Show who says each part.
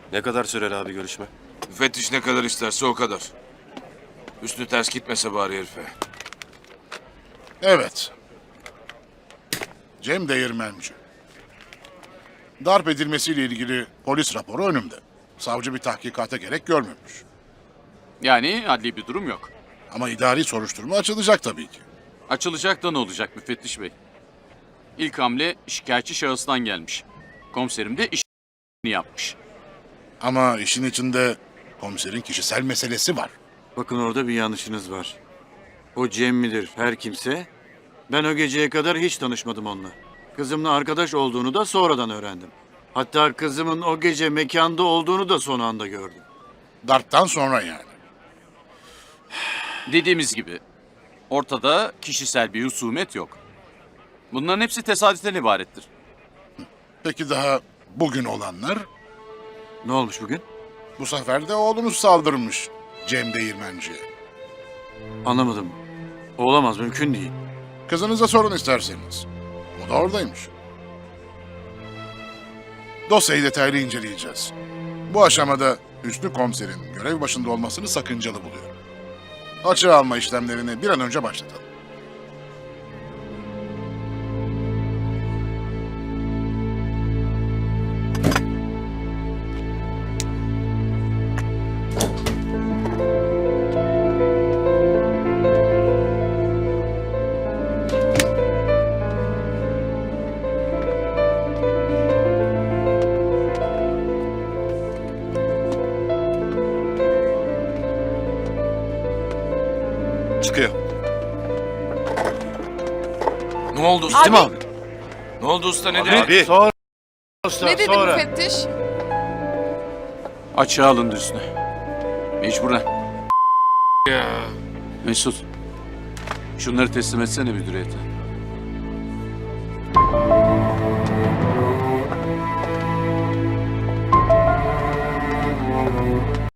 Speaker 1: Ne kadar sürer abi görüşme?
Speaker 2: Müfettiş ne kadar isterse o kadar. Üstü ters gitmese bari herife.
Speaker 3: Evet. Cem Değirmenci. Darp edilmesiyle ilgili polis raporu önümde. Savcı bir tahkikata gerek görmemiş.
Speaker 4: Yani adli bir durum yok.
Speaker 3: Ama idari soruşturma açılacak tabii ki.
Speaker 4: Açılacak da ne olacak müfettiş bey? İlk hamle şikayetçi şahıstan gelmiş. Komiserim de işini yapmış.
Speaker 3: Ama işin içinde komiserin kişisel meselesi var.
Speaker 5: Bakın orada bir yanlışınız var. O Cem midir her kimse? Ben o geceye kadar hiç tanışmadım onunla. Kızımla arkadaş olduğunu da sonradan öğrendim. Hatta kızımın o gece mekanda olduğunu da son anda gördüm.
Speaker 3: Darptan sonra yani.
Speaker 4: Dediğimiz gibi ortada kişisel bir husumet yok. Bunların hepsi tesadüften ibarettir.
Speaker 3: Peki daha bugün olanlar?
Speaker 5: Ne olmuş bugün?
Speaker 3: Bu sefer de oğlunuz saldırmış Cem Değirmenci'ye.
Speaker 5: Anlamadım. Olamaz, mümkün değil.
Speaker 3: Kızınıza sorun isterseniz. O da oradaymış. Dosyayı detaylı inceleyeceğiz. Bu aşamada Hüsnü Komiser'in görev başında olmasını sakıncalı buluyorum. Açığa alma işlemlerini bir an önce başlatalım.
Speaker 1: Çıkıyor.
Speaker 2: Ne oldu usta?
Speaker 1: Değil mi abi?
Speaker 2: Ne oldu usta ne dedi?
Speaker 1: Abi.
Speaker 5: Sonra usta,
Speaker 6: Ne dedi
Speaker 5: sonra.
Speaker 6: müfettiş?
Speaker 4: Açığa alındı üstüne. Mecburen.
Speaker 2: Ya.
Speaker 4: Mesut. Şunları teslim etsene müdüriyete.